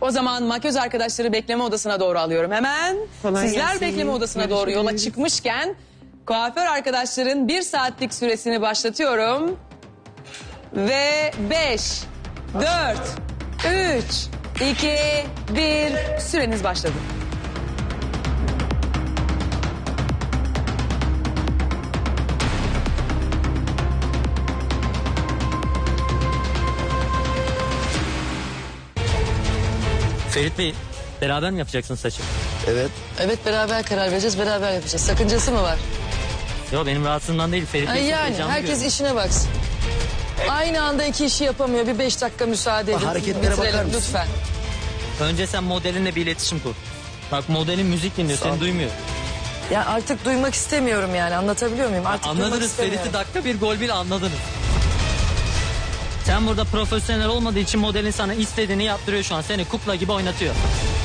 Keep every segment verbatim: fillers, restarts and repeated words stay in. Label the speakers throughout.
Speaker 1: O zaman makyöz arkadaşları bekleme odasına doğru alıyorum hemen.
Speaker 2: Kolay
Speaker 1: Sizler
Speaker 2: gelsin.
Speaker 1: bekleme odasına doğru yola çıkmışken kuaför arkadaşların bir saatlik süresini başlatıyorum. Ve beş, dört, üç, iki, bir süreniz başladı.
Speaker 3: Ferit Bey, beraber mi yapacaksın saçı?
Speaker 4: Evet.
Speaker 2: Evet, beraber karar vereceğiz, beraber yapacağız. Sakıncası mı var?
Speaker 3: Yok, benim rahatsızlığımdan değil. Ferit
Speaker 2: Ha,
Speaker 3: Bey çok
Speaker 2: yani
Speaker 3: heyecanlı
Speaker 2: herkes
Speaker 3: görünüyor.
Speaker 2: işine baksın. Aynı anda iki işi yapamıyor. Bir beş dakika müsaade edin.
Speaker 4: Hareketlere
Speaker 2: Bitirelim
Speaker 4: bakar mısın?
Speaker 2: lütfen.
Speaker 3: Önce sen modelinle bir iletişim kur. Bak, modelin müzik dinliyor, seni duymuyor.
Speaker 2: Ya artık duymak istemiyorum yani. Anlatabiliyor muyum? Artık duymak
Speaker 3: Anladınız,
Speaker 2: istemiyorum.
Speaker 3: Ferit'i dakika bir gol bir anladınız. Sen burada profesyonel olmadığı için modelin sana istediğini yaptırıyor şu an. Seni kukla gibi oynatıyor.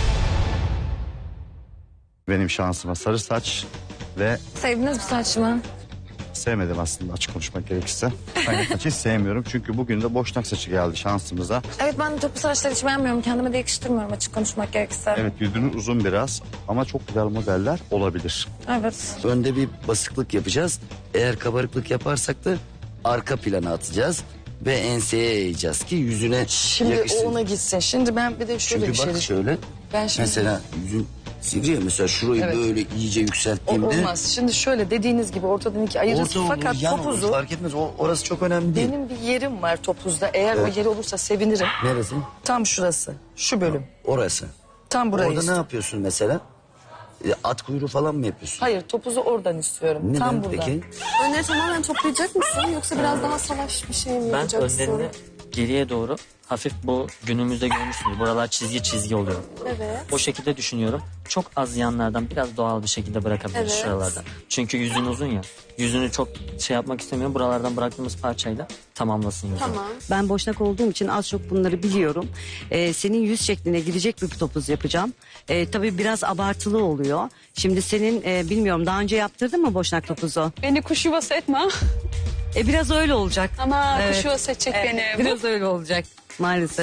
Speaker 4: Benim şansıma sarı saç ve
Speaker 5: Sevdiniz mi saçımı?
Speaker 4: sevmedim aslında, açık konuşmak gerekirse. Ben saçı hiç sevmiyorum çünkü bugün de boşnak saçı geldi şansımıza.
Speaker 5: Evet, ben de topu saçları hiç beğenmiyorum. Kendime de yakıştırmıyorum açık konuşmak gerekirse.
Speaker 4: Evet, yüzünün uzun biraz ama çok güzel modeller olabilir.
Speaker 5: Evet.
Speaker 6: Önde bir basıklık yapacağız. Eğer kabarıklık yaparsak da arka plana atacağız. Ve enseye eğeceğiz ki yüzüne
Speaker 2: Şimdi
Speaker 6: yakışsın.
Speaker 2: o ona gitsin. Şimdi ben bir de şöyle
Speaker 6: Çünkü
Speaker 2: bir şey
Speaker 6: bak
Speaker 2: düşünüyorum.
Speaker 6: şöyle.
Speaker 2: Ben şimdi...
Speaker 6: Mesela yüzün sivri ya, mesela şurayı
Speaker 2: Evet.
Speaker 6: böyle iyice
Speaker 2: O
Speaker 6: yükselttiğimde.
Speaker 2: olmaz. Şimdi şöyle dediğiniz gibi ortadan iki ayırırsın.
Speaker 6: Orta olur,
Speaker 2: Fakat
Speaker 6: yan
Speaker 2: topuzu...
Speaker 6: olur, fark etmez. O, orası çok önemli değil.
Speaker 2: Benim bir yerim var topuzda. Eğer
Speaker 6: Evet.
Speaker 2: o yeri olursa sevinirim.
Speaker 6: Neresi?
Speaker 2: Tam şurası. Şu bölüm.
Speaker 6: Orası.
Speaker 2: Tam burayı
Speaker 6: Orada ne
Speaker 2: istiyorum.
Speaker 6: yapıyorsun mesela? E, At kuyruğu falan mı yapıyorsun?
Speaker 2: Hayır, topuzu oradan istiyorum.
Speaker 6: Neden
Speaker 2: Tam burada.
Speaker 6: peki?
Speaker 5: Önleri tamamen toplayacak mısın? Yoksa biraz daha salaş bir şey mi
Speaker 3: Ben
Speaker 5: yapacaksın?
Speaker 3: önlerini geriye doğru hafif, bu günümüzde görmüşsünüz. Buralar çizgi çizgi oluyor.
Speaker 5: Evet.
Speaker 3: O şekilde düşünüyorum. Çok az yanlardan biraz doğal bir şekilde bırakabiliriz
Speaker 5: Evet.
Speaker 3: şuralardan. Çünkü yüzün uzun ya. Yüzünü çok şey yapmak istemiyorum. Buralardan bıraktığımız parçayla tamamlasın yüzünü.
Speaker 5: Tamam.
Speaker 7: Ben boşnak olduğum için az çok bunları biliyorum. Ee, senin yüz şekline girecek bir topuz yapacağım. Ee, tabii biraz abartılı oluyor. Şimdi senin e, bilmiyorum, daha önce yaptırdın mı boşnak topuzu?
Speaker 8: Beni kuş yuvası etme.
Speaker 7: E, biraz öyle olacak.
Speaker 8: Ama
Speaker 7: Evet.
Speaker 8: kuş yuvası edecek beni.
Speaker 7: Biraz öyle olacak maalesef.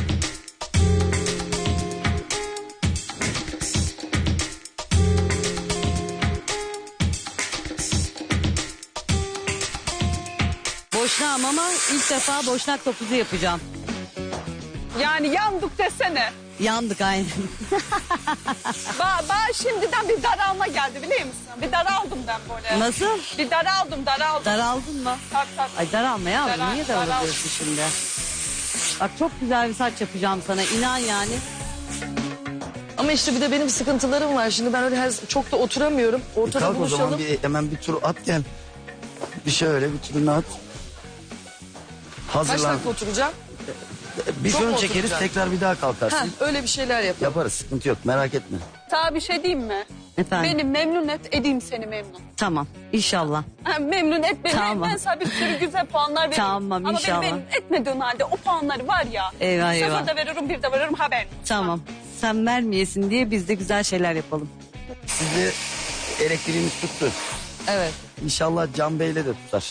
Speaker 7: Boşnağım ama ilk defa boşnak topuzu yapacağım.
Speaker 8: Yani yandık desene.
Speaker 7: Yandık aynen.
Speaker 8: Ba ba şimdiden bir daralma geldi biliyor musun? Bir daraldım ben böyle.
Speaker 7: Nasıl?
Speaker 8: Bir daraldım daraldım.
Speaker 7: Daraldın mı?
Speaker 8: Tak tak.
Speaker 7: Ay daralma ya.
Speaker 8: Daral-
Speaker 7: Niye
Speaker 8: daral.
Speaker 7: daralıyorsun şimdi? Bak çok güzel bir saç yapacağım sana. İnan yani.
Speaker 2: Ama işte bir de benim sıkıntılarım var. Şimdi ben öyle her, çok da oturamıyorum.
Speaker 6: E,
Speaker 2: Ortada
Speaker 6: kalk o
Speaker 2: buluşalım.
Speaker 6: zaman bir, hemen bir tur at gel. Bir şöyle bir turunu at.
Speaker 2: Kaç
Speaker 6: Hazırlan.
Speaker 2: dakika oturacağım?
Speaker 6: Bir
Speaker 2: Çok
Speaker 6: fön
Speaker 2: mu
Speaker 6: çekeriz,
Speaker 2: oturacağım?
Speaker 6: tekrar bir daha
Speaker 2: Ha,
Speaker 6: kalkarsın.
Speaker 2: öyle bir şeyler yapalım.
Speaker 6: Yaparız, sıkıntı yok, merak etme.
Speaker 8: Sana bir şey diyeyim mi?
Speaker 7: Efendim?
Speaker 8: Beni memnun et, edeyim seni memnun.
Speaker 7: Tamam inşallah.
Speaker 8: Ha, memnun et beni.
Speaker 7: Tamam.
Speaker 8: Ben sana bir sürü güzel puanlar veririm.
Speaker 7: Tamam,
Speaker 8: Ama
Speaker 7: inşallah.
Speaker 8: beni memnun etmediğin halde o puanları var ya.
Speaker 7: Eyvah, eyvah.
Speaker 8: Sıfır da veririm, bir de veririm haber.
Speaker 7: Tamam. Sen vermeyesin diye biz de güzel şeyler yapalım.
Speaker 6: Sizi elektriğimiz tuttu.
Speaker 2: Evet.
Speaker 6: İnşallah Can Bey'le de tutar.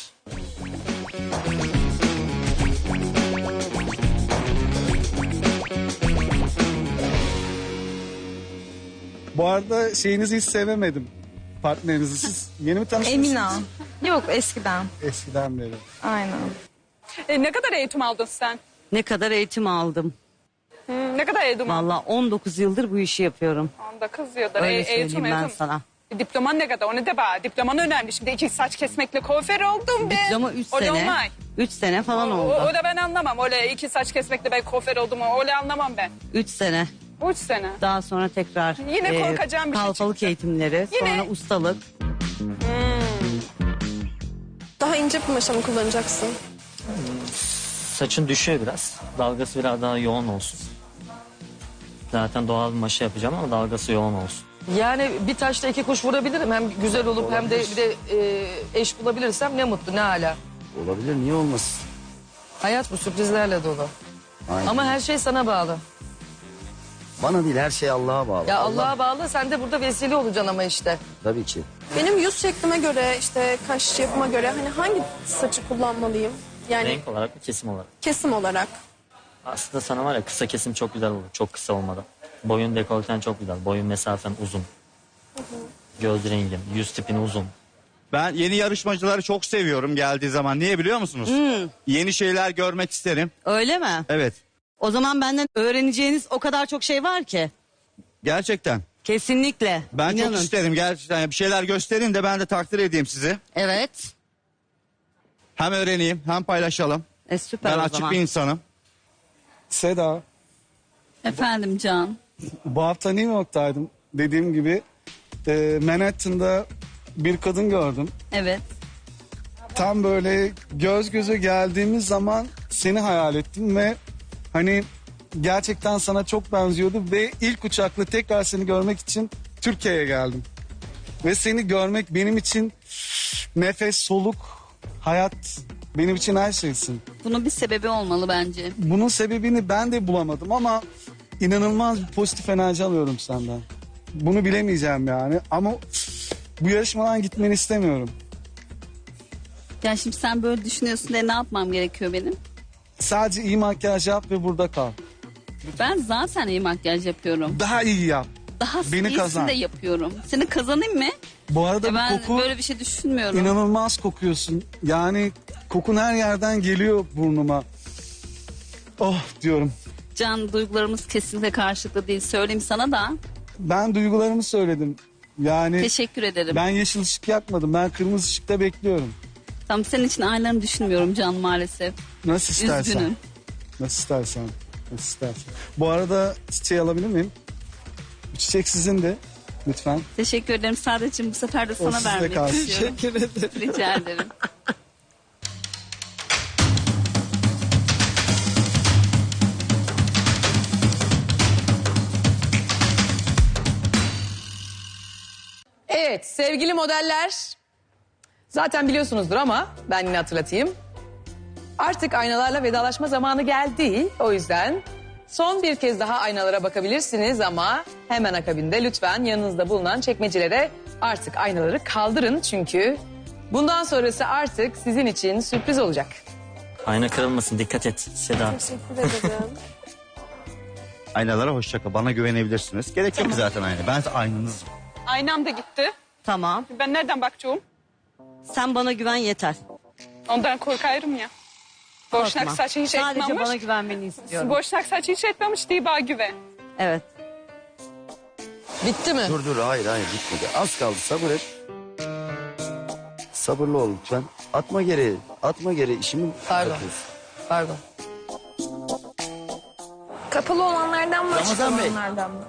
Speaker 9: Bu arada şeyinizi hiç sevemedim. Partnerinizi. Siz yeni mi tanışmışsınız?
Speaker 5: Emina. Yok, eskiden.
Speaker 9: Eskiden beri.
Speaker 5: Aynen.
Speaker 8: E, ne kadar eğitim aldın sen?
Speaker 7: Ne kadar eğitim aldım.
Speaker 8: Hı, ne kadar eğitim aldın?
Speaker 7: Vallahi on dokuz yıldır bu işi yapıyorum.
Speaker 8: Onda kız diyorlar.
Speaker 7: Öyle
Speaker 8: E, eğitim,
Speaker 7: söyleyeyim ben
Speaker 8: eğitim.
Speaker 7: sana.
Speaker 8: E, Diploman ne kadar? O ne de bana? Diploman önemli. Şimdi iki saç kesmekle kuaför oldum ben.
Speaker 7: Diploma üç
Speaker 8: Öyle
Speaker 7: sene.
Speaker 8: olmay.
Speaker 7: Üç sene falan
Speaker 8: O,
Speaker 7: oldu.
Speaker 8: o da ben anlamam. Öyle iki saç kesmekle ben kuaför oldum. Öyle anlamam ben.
Speaker 7: Üç sene.
Speaker 8: Üç sene.
Speaker 7: Daha sonra tekrar
Speaker 8: Yine korkacağım bir şey
Speaker 7: kalfalık
Speaker 8: çıktı.
Speaker 7: eğitimleri,
Speaker 8: Yine-
Speaker 7: sonra ustalık.
Speaker 5: Daha ince bir maşa mı kullanacaksın?
Speaker 3: Saçın düşüyor biraz. Dalgası biraz daha yoğun olsun. Zaten doğal bir maşa yapacağım ama dalgası yoğun olsun.
Speaker 2: Yani bir taşla iki kuş vurabilirim. Hem güzel olup hem de bir de e, eş bulabilirsem ne mutlu, ne hala.
Speaker 6: Olabilir, niye olmasın?
Speaker 2: Hayat bu sürprizlerle dolu.
Speaker 6: Aynen.
Speaker 2: Ama her şey sana bağlı.
Speaker 6: Bana değil, her şey Allah'a bağlı.
Speaker 2: Ya
Speaker 6: Allah-
Speaker 2: Allah'a bağlı, sen de burada vesile olacaksın ama işte.
Speaker 6: Tabii ki.
Speaker 5: Benim yüz şeklime göre, işte kaş yapıma göre hani hangi saçı kullanmalıyım? Yani
Speaker 3: Renk olarak ve kesim olarak.
Speaker 5: kesim olarak.
Speaker 3: Aslında sana var ya kısa kesim çok güzel olur. Çok kısa olmadan. Boyun dekolten çok güzel. Boyun mesafen uzun. Göz rengin, yüz tipin uzun.
Speaker 4: Ben yeni yarışmacıları çok seviyorum geldiği zaman. Niye biliyor musunuz? Yeni şeyler görmek isterim.
Speaker 7: Öyle mi?
Speaker 4: Evet.
Speaker 7: O zaman benden öğreneceğiniz o kadar çok şey var ki.
Speaker 4: Gerçekten.
Speaker 7: Kesinlikle.
Speaker 4: Ben
Speaker 7: İnanın.
Speaker 4: çok isterim gerçekten. Bir şeyler gösterin de ben de takdir edeyim sizi.
Speaker 7: Evet.
Speaker 4: Hem öğreneyim hem paylaşalım.
Speaker 7: E, süper
Speaker 4: Ben
Speaker 7: o
Speaker 4: açık
Speaker 7: zaman.
Speaker 4: bir insanım.
Speaker 9: Seda,
Speaker 8: Efendim Can.
Speaker 9: bu hafta New York'taydım. Dediğim gibi e, Manhattan'da bir kadın gördüm.
Speaker 8: Evet.
Speaker 9: Tam böyle göz göze geldiğimiz zaman seni hayal ettim ve hani gerçekten sana çok benziyordu ve ilk uçakla tekrar seni görmek için Türkiye'ye geldim. Ve seni görmek benim için nefes, soluk, hayat, benim için her şeysin.
Speaker 8: Bunun bir sebebi olmalı bence.
Speaker 9: Bunun sebebini ben de bulamadım ama inanılmaz bir pozitif enerji alıyorum senden. Bunu bilemeyeceğim yani ama bu yarışmadan gitmeni istemiyorum.
Speaker 8: Ya şimdi sen böyle düşünüyorsun diye ne yapmam gerekiyor benim?
Speaker 9: Sadece iyi makyaj yap ve burada kal.
Speaker 8: Ben zaten iyi makyaj yapıyorum.
Speaker 9: Daha iyi yap.
Speaker 8: Daha
Speaker 9: Beni
Speaker 8: iyisini
Speaker 9: kazan.
Speaker 8: de yapıyorum. Seni kazanayım mı?
Speaker 9: Bu arada
Speaker 8: Ya
Speaker 9: bu
Speaker 8: ben
Speaker 9: koku
Speaker 8: böyle bir şey düşünmüyorum.
Speaker 9: inanılmaz kokuyorsun. Yani kokun her yerden geliyor burnuma. Oh diyorum.
Speaker 8: Can, duygularımız kesinlikle karşılıklı değil. Söyleyeyim sana da.
Speaker 9: Ben duygularımı söyledim. Yani
Speaker 8: Teşekkür ederim.
Speaker 9: ben yeşil ışık yakmadım. Ben kırmızı ışıkta bekliyorum.
Speaker 8: Tam senin için aynılarını düşünmüyorum Can maalesef.
Speaker 9: Nasıl istersen.
Speaker 8: Üzgünüm.
Speaker 9: Nasıl istersen. Nasıl istersen. Bu arada çiçeği alabilir miyim? Bu çiçek sizin de. Lütfen.
Speaker 8: Teşekkür ederim. Sadece bu sefer de
Speaker 9: O
Speaker 8: sana
Speaker 9: sizde
Speaker 8: vermek
Speaker 9: kalsın.
Speaker 8: istiyorum.
Speaker 9: Teşekkür ederim.
Speaker 8: Rica ederim.
Speaker 1: Evet sevgili modeller. Zaten biliyorsunuzdur ama ben yine hatırlatayım. Artık aynalarla vedalaşma zamanı geldi. O yüzden son bir kez daha aynalara bakabilirsiniz ama hemen akabinde lütfen yanınızda bulunan çekmecelere artık aynaları kaldırın. Çünkü bundan sonrası artık sizin için sürpriz olacak.
Speaker 3: Ayna kırılmasın, dikkat et Seda.
Speaker 4: Aynalara hoşça kal. Bana güvenebilirsiniz. Gerek yok zaten ayna. Ben aynanızım.
Speaker 10: Aynam da gitti.
Speaker 7: Tamam.
Speaker 10: Ben nereden bakacağım?
Speaker 7: Sen bana güven yeter.
Speaker 10: Ondan korkarım ya. Boşnak
Speaker 7: Korkma.
Speaker 10: saçı hiç
Speaker 7: Sadece
Speaker 10: etmemiş.
Speaker 7: bana güvenmeni istiyorum.
Speaker 10: Boşnak saçı hiç etmemiş diye bana güven.
Speaker 7: Evet.
Speaker 2: Bitti mi?
Speaker 6: Dur dur hayır hayır bitmedi. Az kaldı sabır et. Sabırlı ol lütfen. Atma geri. Atma geri. İşimi
Speaker 2: Pardon.
Speaker 6: yapıyorsun.
Speaker 2: Pardon.
Speaker 5: Kapalı olanlardan mı açık
Speaker 6: Ramazan Bey.
Speaker 5: olanlardan mı?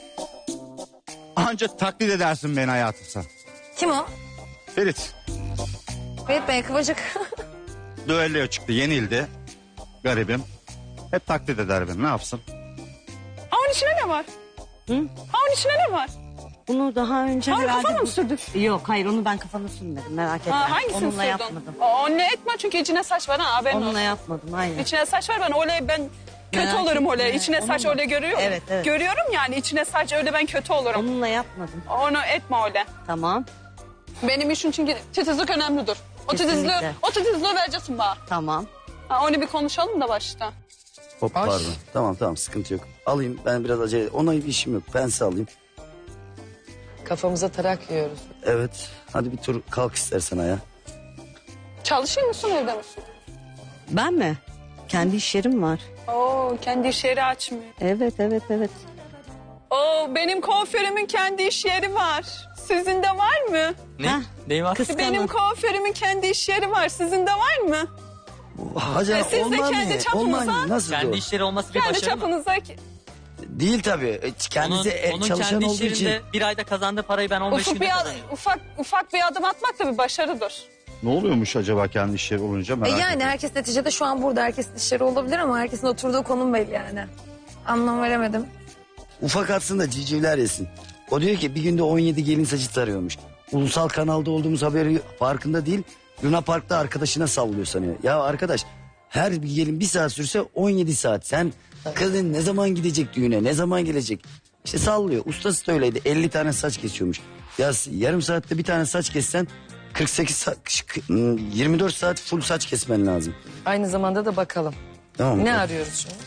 Speaker 4: Ancak taklit edersin beni hayatım sen.
Speaker 5: Kim o?
Speaker 4: Ferit.
Speaker 5: Ferit Bey Kıvırcık.
Speaker 4: Düelloya çıktı. Yenildi. Garibim. Hep taklit eder beni. Ne yapsın?
Speaker 10: Ha onun içine ne var?
Speaker 7: Hı?
Speaker 10: Ha onun içine ne var?
Speaker 7: Bunu daha önce
Speaker 10: Ha onu
Speaker 7: herhalde...
Speaker 10: kafana mı
Speaker 7: bu-
Speaker 10: sürdün?
Speaker 7: Yok hayır onu ben kafana sürmedim merak etme.
Speaker 10: Ha hangisini
Speaker 7: Onunla
Speaker 10: sürdün?
Speaker 7: yapmadım.
Speaker 10: O, o ne etme çünkü içine saç var ha haberin
Speaker 7: Onunla
Speaker 10: olsun.
Speaker 7: yapmadım hayır.
Speaker 10: İçine saç var ben öyle ben kötü
Speaker 7: Merak
Speaker 10: olurum
Speaker 7: etme.
Speaker 10: öyle. İçine saç
Speaker 7: Onunla-
Speaker 10: öyle görüyorum.
Speaker 7: Evet, evet.
Speaker 10: Görüyorum yani içine saç öyle ben kötü olurum.
Speaker 7: Onunla yapmadım.
Speaker 10: Onu etme öyle.
Speaker 7: Tamam
Speaker 10: Benim için çünkü titizlik önemlidir. O
Speaker 7: Kesinlikle.
Speaker 10: titizliği, o titizliği vereceksin bana.
Speaker 7: tamam.
Speaker 10: Ha, onu bir konuşalım da başta.
Speaker 6: Hop
Speaker 2: Ay.
Speaker 6: pardon. Tamam tamam sıkıntı yok. Alayım ben biraz acele. Ona bir işim yok. Ben size alayım.
Speaker 2: Kafamıza tarak yiyoruz.
Speaker 6: Evet. Hadi bir tur kalk istersen ayağa.
Speaker 10: Çalışıyor musun evde misin?
Speaker 7: Ben mi? Kendi iş yerim var.
Speaker 10: Oo kendi iş yeri açmıyor.
Speaker 7: Evet evet evet.
Speaker 10: Oo benim kuaförümün kendi iş yeri var. Sizin de var mı?
Speaker 3: Ne?
Speaker 7: Heh.
Speaker 3: Neyi var?
Speaker 7: Kıskanın.
Speaker 10: Benim kuaförümün kendi iş yeri var. Sizin de var mı?
Speaker 6: Hacı
Speaker 10: E, siz de
Speaker 6: olmaz
Speaker 10: kendi
Speaker 6: mı?
Speaker 10: çapınıza-
Speaker 6: Olmaz mı? Nasıl
Speaker 3: Kendi
Speaker 6: o?
Speaker 3: işleri olması bir
Speaker 10: Kendi
Speaker 3: başarı mı?
Speaker 10: çapınıza
Speaker 6: Değil tabii. E, Kendisi
Speaker 3: Onun,
Speaker 6: e,
Speaker 3: onun
Speaker 6: çalışan
Speaker 3: kendi
Speaker 6: olduğu
Speaker 3: iş
Speaker 6: için.
Speaker 3: yerinde bir ayda kazandığı parayı ben on beş
Speaker 10: ufak
Speaker 3: günde
Speaker 10: bir, ad-
Speaker 3: kazanıyorum.
Speaker 10: ufak, ufak bir adım atmak da bir başarıdır.
Speaker 4: Ne oluyormuş acaba kendi iş yeri olunca
Speaker 5: E
Speaker 4: merak
Speaker 5: yani
Speaker 4: ediyorum.
Speaker 5: herkes neticede şu an burada. Herkesin işleri olabilir ama herkesin oturduğu konum belli yani. Anlam veremedim.
Speaker 6: Ufak atsın da civcivler yesin. O diyor ki bir günde on yedi gelin saçı tarıyormuş. Ulusal kanalda olduğumuz haberi farkında değil. Luna Park'ta arkadaşına sallıyor sanıyor. Ya arkadaş her bir gelin bir saat sürse on yedi saat. Sen kadın ne zaman gidecek düğüne, ne zaman gelecek? İşte sallıyor. Ustası da öyleydi. elli tane saç kesiyormuş. Ya yarım saatte bir tane saç kessen kırk sekiz saat, yirmi dört saat full saç kesmen lazım.
Speaker 2: Aynı zamanda da bakalım.
Speaker 6: Tamam mı?
Speaker 2: Ne arıyoruz şimdi?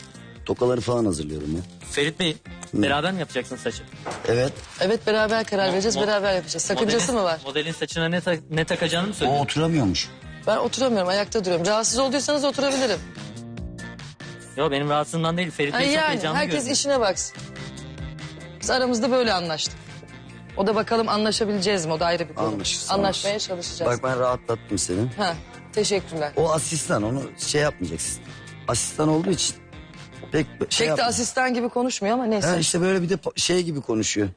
Speaker 6: Tokaları falan hazırlıyorum ya.
Speaker 3: Ferit Bey beraber mi yapacaksın saçı?
Speaker 6: Evet.
Speaker 2: Evet beraber karar vereceğiz,
Speaker 3: mo-
Speaker 2: beraber yapacağız. Sakıncası
Speaker 3: Modelin-
Speaker 2: mı var?
Speaker 3: Modelin saçına ne, ta- ne takacağını mı
Speaker 6: O
Speaker 3: söylüyorsun?
Speaker 6: oturamıyormuş.
Speaker 2: Ben oturamıyorum, ayakta duruyorum. Rahatsız olduysanız oturabilirim.
Speaker 3: Yok benim rahatsızlığımdan değil. Ferit
Speaker 2: Ha,
Speaker 3: Bey çok
Speaker 2: yani
Speaker 3: heyecanlı
Speaker 2: herkes
Speaker 3: görünüyor.
Speaker 2: işine baksın. Biz aramızda böyle anlaştık. O da bakalım anlaşabileceğiz mi? O da ayrı bir konu.
Speaker 6: Anlaşırız,
Speaker 2: Anlaşmaya
Speaker 6: anlaşırız.
Speaker 2: çalışacağız.
Speaker 6: Bak ben rahatlattım seni.
Speaker 2: Ha, teşekkürler.
Speaker 6: O asistan, onu şey yapmayacaksın. Asistan olduğu için pek şey
Speaker 2: Pek de
Speaker 6: yapma.
Speaker 2: asistan gibi konuşmuyor ama neyse.
Speaker 6: Ha, işte böyle bir de po- şey gibi konuşuyor.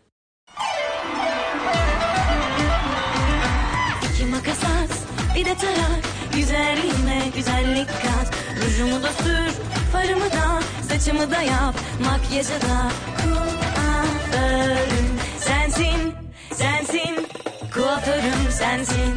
Speaker 11: İki makas at, bir de tarak. Güzelliğime güzellik kat. Rujumu da sür, farımı da, saçımı da yap. Makyajı da kuaförüm sensin, sensin. Kuaförüm sensin.